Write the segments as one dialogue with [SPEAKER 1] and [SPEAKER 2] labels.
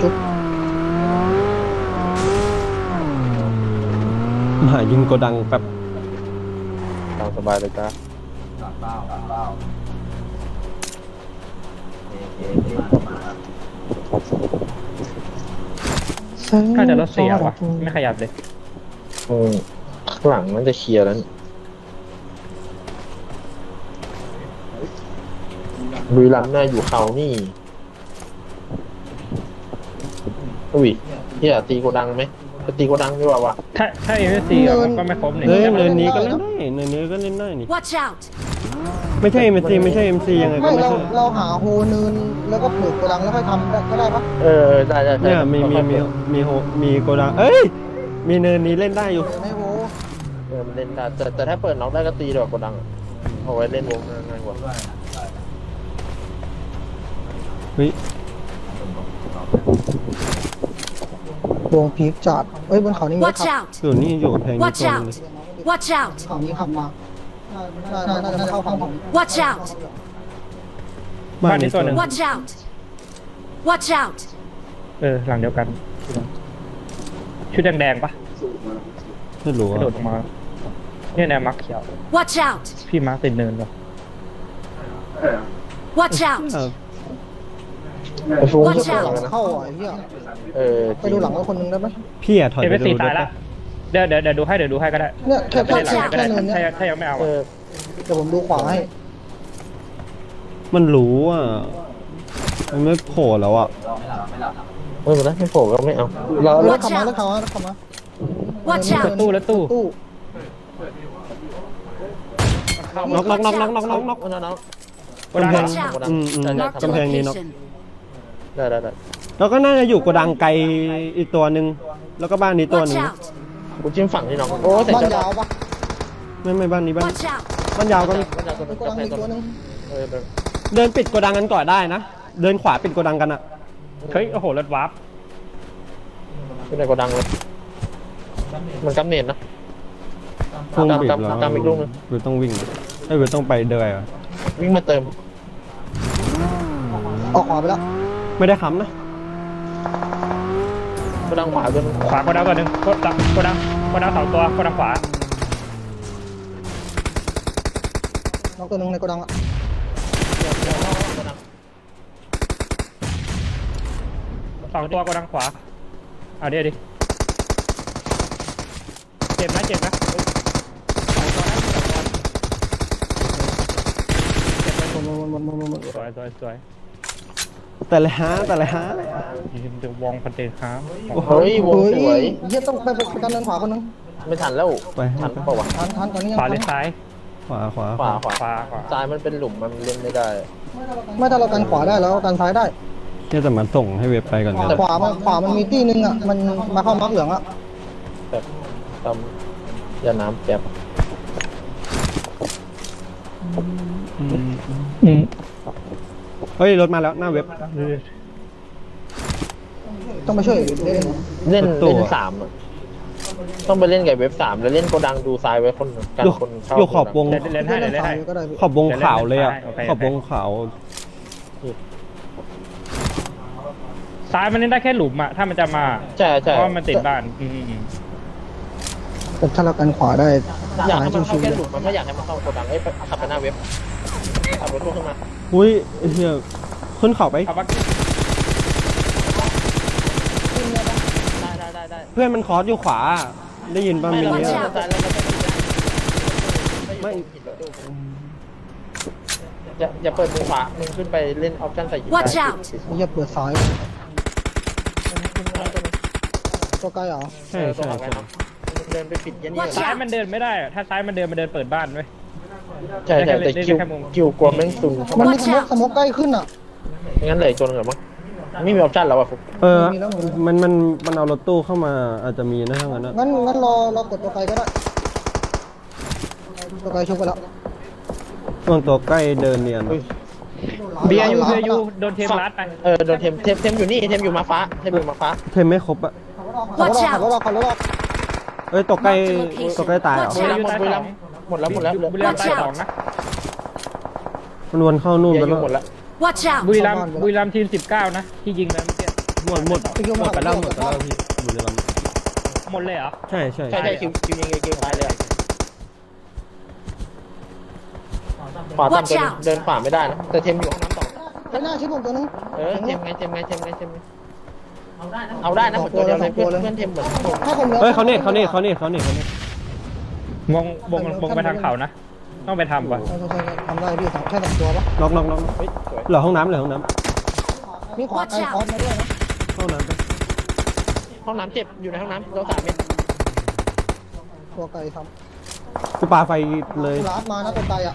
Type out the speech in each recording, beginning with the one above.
[SPEAKER 1] ชุบ
[SPEAKER 2] หายิงโกดังแบบ
[SPEAKER 3] ตามสบายเลยจ้า
[SPEAKER 4] น่าจะรถเสียวะไม่ขยับเลย
[SPEAKER 3] ข้างหลังมันจะเคลียร์แล้วลุยลำหน้าอยู่เขานี่อุ้ยเฮียตีโกดังไหมจะตีโกดังดีกว่าวะ
[SPEAKER 4] ถ้าเอเวอร์ซีมันก็ไม่ครบนี่
[SPEAKER 2] เฮ้ยเนินนี้ก็เล่นได้เนินนี้ก็เล่นได้นี่
[SPEAKER 5] Watch out!
[SPEAKER 2] ไม่ใช่ MC ไม่ใช่ MC ยังไงก็
[SPEAKER 1] ไม่
[SPEAKER 2] ไม่
[SPEAKER 1] เรา
[SPEAKER 2] ใช่
[SPEAKER 1] เราหาโฮเนินแล้วก็ปลูกโกดังแล้วค่อยทำก็ได้ปะ
[SPEAKER 3] ได้ได้
[SPEAKER 2] เนี่ยมีโกดังเอ้ยมีเนินนี้เล่นได้อยู่
[SPEAKER 1] ไม่โฮ
[SPEAKER 3] มันเล่นได้แต่ถ้าเปิดน็อกได้ก็ตีดีกว่าโกดังเอาไว้เล่นวงง่ายกว่า
[SPEAKER 2] เฮ้ยว
[SPEAKER 1] งพีคจัดเอ้ยบนเขานี่มี
[SPEAKER 5] Watch
[SPEAKER 1] ขับ
[SPEAKER 5] out!
[SPEAKER 2] ส่วนนี้อยู่กับแพงนี่
[SPEAKER 5] Watch
[SPEAKER 2] ตัวนึง
[SPEAKER 5] out! Watch out!
[SPEAKER 1] เขานี้ขับมาน่าจะเข้าฝั่งผม
[SPEAKER 5] Watch out!
[SPEAKER 2] บ้านนี้ตัวนึง
[SPEAKER 5] Watch out! Watch out!
[SPEAKER 4] หลังเดียวกัน ชุดแดงๆปะ
[SPEAKER 2] ไม่รู้
[SPEAKER 4] กระโดดลงมาเนี่ยแนวมักเขียว
[SPEAKER 5] Watch out!
[SPEAKER 4] พี่มาร์คติดเนินปะ
[SPEAKER 5] Watch out!
[SPEAKER 3] ไอ้ฟุ้ง
[SPEAKER 5] Watch
[SPEAKER 3] ที่
[SPEAKER 5] out
[SPEAKER 3] หลังนะ
[SPEAKER 1] เข้าอ่ะไอ้เหี้ย
[SPEAKER 3] จ
[SPEAKER 1] ไป
[SPEAKER 3] ริง
[SPEAKER 1] ดูหลังไว้คนนึงได้ไหม
[SPEAKER 2] พี่อะถอย
[SPEAKER 4] เอ
[SPEAKER 2] ไป
[SPEAKER 4] เวอร์
[SPEAKER 2] ดู
[SPEAKER 4] ซี
[SPEAKER 2] ร
[SPEAKER 4] ตาย
[SPEAKER 2] ถ
[SPEAKER 4] ละเดี๋ยวดูให้ก็ได้
[SPEAKER 1] เนี่ยแค่
[SPEAKER 4] ไม่ได้หลัง
[SPEAKER 1] แค่
[SPEAKER 4] ก็ได้
[SPEAKER 1] เนินเนี้ย
[SPEAKER 4] ถ้ายังไม่เอา
[SPEAKER 3] เอ
[SPEAKER 4] อะ
[SPEAKER 3] อ
[SPEAKER 1] เดี๋ยวผมดูขวาให้
[SPEAKER 2] มันรู้อ่ะมันไม่โผล่แล้วอ่ะ
[SPEAKER 3] ไม่เป็นไรไม่โผล่ก็ไม่เอา
[SPEAKER 1] เรา
[SPEAKER 5] Watch
[SPEAKER 1] ขับมา
[SPEAKER 5] out
[SPEAKER 1] แล้วขับมาแล้วขับมา
[SPEAKER 5] Watch
[SPEAKER 4] รถ
[SPEAKER 5] out!
[SPEAKER 4] ตู้รถตู้
[SPEAKER 1] ตู้
[SPEAKER 2] น็อกน็อกน็อกน็อกน็อกน็อกน็อก
[SPEAKER 3] น้อง
[SPEAKER 4] โกดัง
[SPEAKER 5] Watch out!
[SPEAKER 2] กำแพงนี้
[SPEAKER 5] Mark
[SPEAKER 2] น็อก
[SPEAKER 5] location.
[SPEAKER 3] ได้
[SPEAKER 2] แล้วก็น่าจะอยู่โกดังไกลอีกตัวหนึ่งแล้วก็บ้านนี้ตัวห
[SPEAKER 5] Watch
[SPEAKER 2] นึ่ง
[SPEAKER 5] out!
[SPEAKER 3] กูจิ้มฝั่งนี่น้องโอ้เสร็จ
[SPEAKER 1] บ้าน
[SPEAKER 3] จะ
[SPEAKER 1] ยาวปะ
[SPEAKER 2] ไม่บ้านนี้บ้าน
[SPEAKER 5] Watch out!
[SPEAKER 2] บ้านยาวก็มี
[SPEAKER 3] มันจะตัว
[SPEAKER 1] มีโกดังมีตัวนึง
[SPEAKER 2] เดินปิดโกดังกันก่อนได้นะเดินขวาปิดโกดังกันอ่ะ
[SPEAKER 4] เฮ้ยโอ้โหรถวาร์ป
[SPEAKER 3] เป็นในโกดังเลยมันกำเนิดนะ
[SPEAKER 2] พุ่งบีบ
[SPEAKER 3] ตาม
[SPEAKER 2] แล้ว
[SPEAKER 3] ตามอีกลูกหนึ่ง
[SPEAKER 2] เวทต้องวิ่งไอ้เวทต้องไปเดินอ่ะ
[SPEAKER 3] วิ่งมาเติม
[SPEAKER 1] ออกขวาไปแล้ว
[SPEAKER 2] ไม่ได้ค้ำนะ
[SPEAKER 3] โกดังขวาด้วย
[SPEAKER 4] ขวาโกดังตัวหนึ่งโกดังสองตัวโกดังขวา
[SPEAKER 1] น้องตัวนึงในโกดังอ่ะ
[SPEAKER 4] สองตัวโกดังขวาเอาดิเจ็บนะสวย
[SPEAKER 2] แต่ละฮะ
[SPEAKER 4] เดี๋ยววองพันเตครับ
[SPEAKER 3] เฮ้ยวงสวย
[SPEAKER 1] เหี้ยต้องไปกันเดินขวาคนนึง
[SPEAKER 3] ไม่ทันแล้ว
[SPEAKER 2] ไป
[SPEAKER 3] ทันเปล่าวะ
[SPEAKER 1] ทันตอนนี้ยัง
[SPEAKER 4] ขวาห
[SPEAKER 1] ทั
[SPEAKER 4] รื
[SPEAKER 1] น
[SPEAKER 4] อซ้าย
[SPEAKER 2] ขวา
[SPEAKER 3] ขวา
[SPEAKER 4] ขวา
[SPEAKER 3] ซ้ายมันเป็นหลุมมันเล่นไม่ได้
[SPEAKER 1] ไม่ถ้าเรากันขวาได้แล้วกันซ้ายได้
[SPEAKER 2] เนี่ยแต่มันส่งให้เว็บไปก่อน
[SPEAKER 1] แต่ขวามันมีที่นึงอ่ะมันมาเข้ามักเหลืองอ่ะ
[SPEAKER 3] แบบตามยาน้ำแป๊บ
[SPEAKER 2] เฮ้ยรถมาแล้วหน้าเว็บ
[SPEAKER 1] ต้องไปช่วยเล่น
[SPEAKER 3] เล่นสามอะต้องไปเล่นกับเว็บ3แล้วเล่นโกดังดูซ้ายไว้คนกัน
[SPEAKER 2] อยู่
[SPEAKER 3] คนเข้า
[SPEAKER 2] อยู่ขอบวง
[SPEAKER 4] เล่นให้
[SPEAKER 1] ก็ได้
[SPEAKER 2] ขอบวงขาวเลยอ่ะ
[SPEAKER 4] โอเค
[SPEAKER 2] ขอบวงขาว
[SPEAKER 4] ซ้ายมันเล่นได้แค่หลุมอะถ้ามันจะมา
[SPEAKER 3] ใช่
[SPEAKER 4] เพราะมันติดบ้าน
[SPEAKER 1] แต่ถ้าเรากันขวาได้
[SPEAKER 3] อยากให้มันเข้า
[SPEAKER 1] ชิว
[SPEAKER 3] แค่หลุมมันไม่อยากให้มันเข้าโกดังขับไปหน้าเว็บขับรถตู้ขึ้นมา
[SPEAKER 2] อุ้ยไอ้เฮียขึ้นเขาไป
[SPEAKER 4] เอาบัก
[SPEAKER 3] ได้
[SPEAKER 2] เพื่อนมันคอร์สอยู่ขวา ได้ยินป่ะ
[SPEAKER 3] ไม่
[SPEAKER 2] มิ
[SPEAKER 3] เรา
[SPEAKER 2] นิ
[SPEAKER 3] ไม่
[SPEAKER 2] อะ
[SPEAKER 3] ซ้ายแล้วเราไม่อย่าเปิดมือขวามึงขึ้นไปเล่นออปชั่นใส่หิน
[SPEAKER 5] Watch out
[SPEAKER 1] ๆอย่าเปิดซ้ายตัวใกล้เหรอ
[SPEAKER 2] ใช่
[SPEAKER 3] เดินไปปิดยันนี่
[SPEAKER 5] Watch
[SPEAKER 4] ซ้ายมันเดินไม่ได้อะถ้าซ้ายมันเดินเปิดบ้านไว้ย
[SPEAKER 3] ใช่แต่คิวกลัวแม่งซุนเข้า
[SPEAKER 1] มั
[SPEAKER 3] มาน
[SPEAKER 1] มีสโมกใกล้ขึ้นอ่ะ
[SPEAKER 3] งั้นเลยจนเหรอมั้งไม่มีออปชั่นแล้วอ่ะฟุก
[SPEAKER 2] มันเอารถตู้เข้ามาอาจจะมีนะทั้งนั้นนะ
[SPEAKER 1] งั้นรอกดตัวไกลก็ได้ตัวไกลชกไปแล้ว
[SPEAKER 2] ช่วงตัวใกล้เดินเนียนอะ
[SPEAKER 4] เบียร์ยูโดนเทมรัดไป
[SPEAKER 3] โดนเทมอยู่นี่เทมอยู่มาฟ้าเทมอยู่มาฟ้า
[SPEAKER 2] เทมไม่ครบอะ
[SPEAKER 1] ขับรถออก
[SPEAKER 2] เอ้ยตัวใกล้ตายเหรอ
[SPEAKER 5] Watch out
[SPEAKER 3] หมดแล้ว
[SPEAKER 4] บุรีรัมย์ใต้สองนะ
[SPEAKER 2] มันวนเข้านู่น
[SPEAKER 3] เบีย
[SPEAKER 2] ไป
[SPEAKER 3] ร์อ
[SPEAKER 2] แล้ว
[SPEAKER 3] ยู่หมดแล้ว
[SPEAKER 5] Watch out!
[SPEAKER 4] บุรีรัมย์ทีม19นะที่ยิงไปเมื่อกี้
[SPEAKER 2] หมดไปแล้วพี่อยู่ในลำ
[SPEAKER 4] หมดเลยเหรอ
[SPEAKER 2] ใช่ใช่
[SPEAKER 3] ใช่คิวยิงคิวตายเลยขวาตามตัวเดินขวาไม่ได้นะแต่เทมอยู่ห้องน้ำต่อ
[SPEAKER 1] ไปหน้าชิดผมตัวนึง
[SPEAKER 3] เทมไงเอาได้นะเหมือนตัวเดียวเลยเพื่อนเทมเหมือน
[SPEAKER 1] ถ้าผมเหลือ
[SPEAKER 2] เฮ้ยเขาเน็ต
[SPEAKER 4] วงไปทางเขานะต้องไปทำก่อน
[SPEAKER 1] ใช่ทำได้พี่แค่2ตัวปะ
[SPEAKER 2] น็อก
[SPEAKER 3] เฮ้ยสวย
[SPEAKER 2] เหลือห้องน้ำ
[SPEAKER 1] มีขวาไกลคอสมาด้วยนะ
[SPEAKER 2] ห้องน้ำไป
[SPEAKER 3] ห้องน้ำเจ็บอยู่ในห้องน้ำเรา3 เมตร
[SPEAKER 1] ตัวไกลท
[SPEAKER 2] กูปาไฟเลย
[SPEAKER 1] ำลาดมานะตัวไกลอ่ะ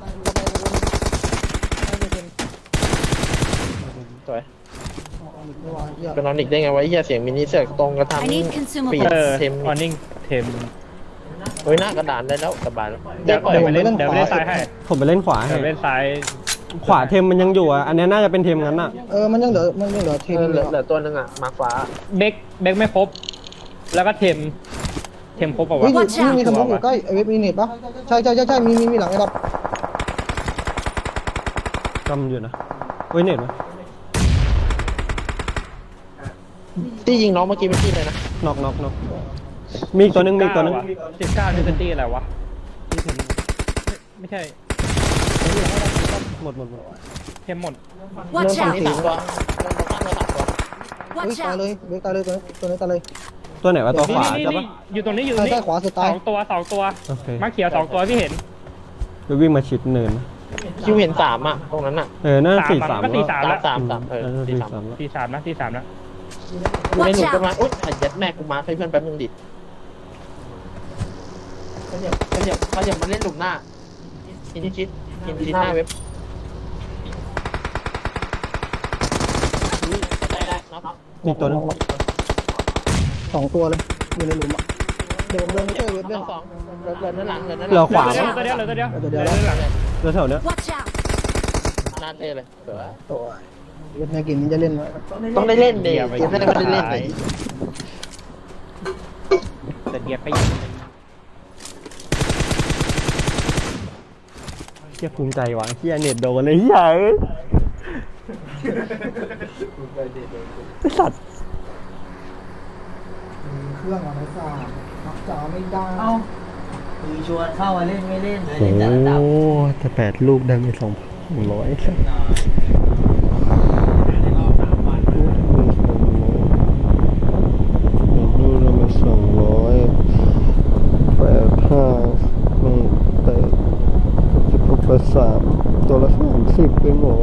[SPEAKER 3] สวย
[SPEAKER 1] ไม่ไหวเหี้ย
[SPEAKER 3] เป็นนอนอีกได้ไงวะเฮียเสียงมินิเสือกตรงกระทำ
[SPEAKER 5] I need
[SPEAKER 3] ปี
[SPEAKER 5] consumables.
[SPEAKER 3] เทม
[SPEAKER 4] ออนนิ่งเทม
[SPEAKER 3] เฮ้ยหน้ากระดานได้แล้วสบายแล้ว
[SPEAKER 4] เดี๋ยวไปเล่นซ้ายให้
[SPEAKER 2] ผมไปเล่นขวาให้
[SPEAKER 4] เดี๋ยวเล่นซ้าย
[SPEAKER 2] ขวาเทมมันยังอยู่อ่ะอันนี้น่าจะเป็นเทมงั้นอ่ะ
[SPEAKER 1] มันยังเหลือทีม
[SPEAKER 3] เหลือตัวนึงอ่ะมาฟ้า
[SPEAKER 4] เบกไม่ครบ แล้วก็เทมครบเปล่าวะ
[SPEAKER 1] มีสมองอยู่ใกล้เว็บมีเน็ตปะใช่มีหลังไอ้ดอก
[SPEAKER 2] กำอยู่นะเว้ยเน็ตไหม
[SPEAKER 3] ที่ยิงน้องเมื่อกี้เป็นที่เลยนะ
[SPEAKER 2] น็อกมีอีกตัวนึง
[SPEAKER 4] 19นิวตันตี้อะไรวะไม่ใช่
[SPEAKER 2] หมด
[SPEAKER 4] เทมหมด
[SPEAKER 5] Watch
[SPEAKER 3] ฝั่ง
[SPEAKER 5] out!
[SPEAKER 3] นี้3 ตัวเริ่มข้างเรา3 ตัว
[SPEAKER 5] Watch
[SPEAKER 1] ตายเลย
[SPEAKER 5] out!
[SPEAKER 1] เว็บตายเลยตัวนี้ตายเลย
[SPEAKER 2] ตัวไหนวะตัวขวา
[SPEAKER 4] นี่
[SPEAKER 2] ใช่ปะ
[SPEAKER 4] อยู่ตรงนี้อยู่ตรง
[SPEAKER 1] ใช่
[SPEAKER 4] นี้
[SPEAKER 1] ขวาสุดตาย
[SPEAKER 4] 2 ตัว
[SPEAKER 2] โอเค
[SPEAKER 4] มาเขียว2 ตัวพี่เห็น
[SPEAKER 2] จะวิ่งมาชิดเนิน
[SPEAKER 3] คิวเห็น3อ่ะตรงนั้นอ่ะ
[SPEAKER 2] น่า
[SPEAKER 4] ก็ตี
[SPEAKER 2] 43
[SPEAKER 4] 3
[SPEAKER 2] แล้ว
[SPEAKER 4] แล้ว
[SPEAKER 3] 3
[SPEAKER 4] ตี3นะ
[SPEAKER 3] อยู่ในหนุ่มต้นไม้อุ๊ยยัดแม่กูมาให้เพื่อนแป๊บนึงดิเขาจะมาเล่นหลุมหน้าหินชิดหน้าเว็บได้น็อก
[SPEAKER 2] อีกตัวนึง
[SPEAKER 1] 2 ตัวเลยอยู่ในหลุมอ่ะเดี๋ยวผมเดินไปช่วยเว็บ
[SPEAKER 3] น็
[SPEAKER 1] เล่
[SPEAKER 3] อน ก2เหลือหลัง
[SPEAKER 2] เหลือขวา
[SPEAKER 4] ตัวเดียว
[SPEAKER 2] แล้วแถวเนี้ย
[SPEAKER 5] Watch out!
[SPEAKER 3] หน้าเต้เลย
[SPEAKER 1] ตัวเว็บในกินนี่จะเล่นไหม
[SPEAKER 3] ต้องได้เล่นดิเกมไม่ได้เล่นเลย
[SPEAKER 4] แต่เดียไป
[SPEAKER 2] เฮียภูมิใจว่ะเฮียเน็ตโดนเลยเฮียไอ้สัตว์
[SPEAKER 1] เครื่องอะไรซ่ามักจะไม่ได้
[SPEAKER 6] คือชวนเข้ามาเล่นไม่เล่นเลย
[SPEAKER 2] โอ้
[SPEAKER 6] เล่นแต่ระดับ
[SPEAKER 2] แต่8 ลูกได้ไป2,100สัตว์ลูกละมา200 85ไม่8 16 3ตัวละ30ไปหมอ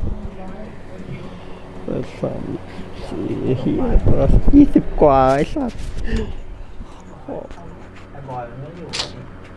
[SPEAKER 2] 8 3 4เฮียตัวละ20 กว่าไอ้สัตว์
[SPEAKER 6] ไอ้บอยมันไม่อยู่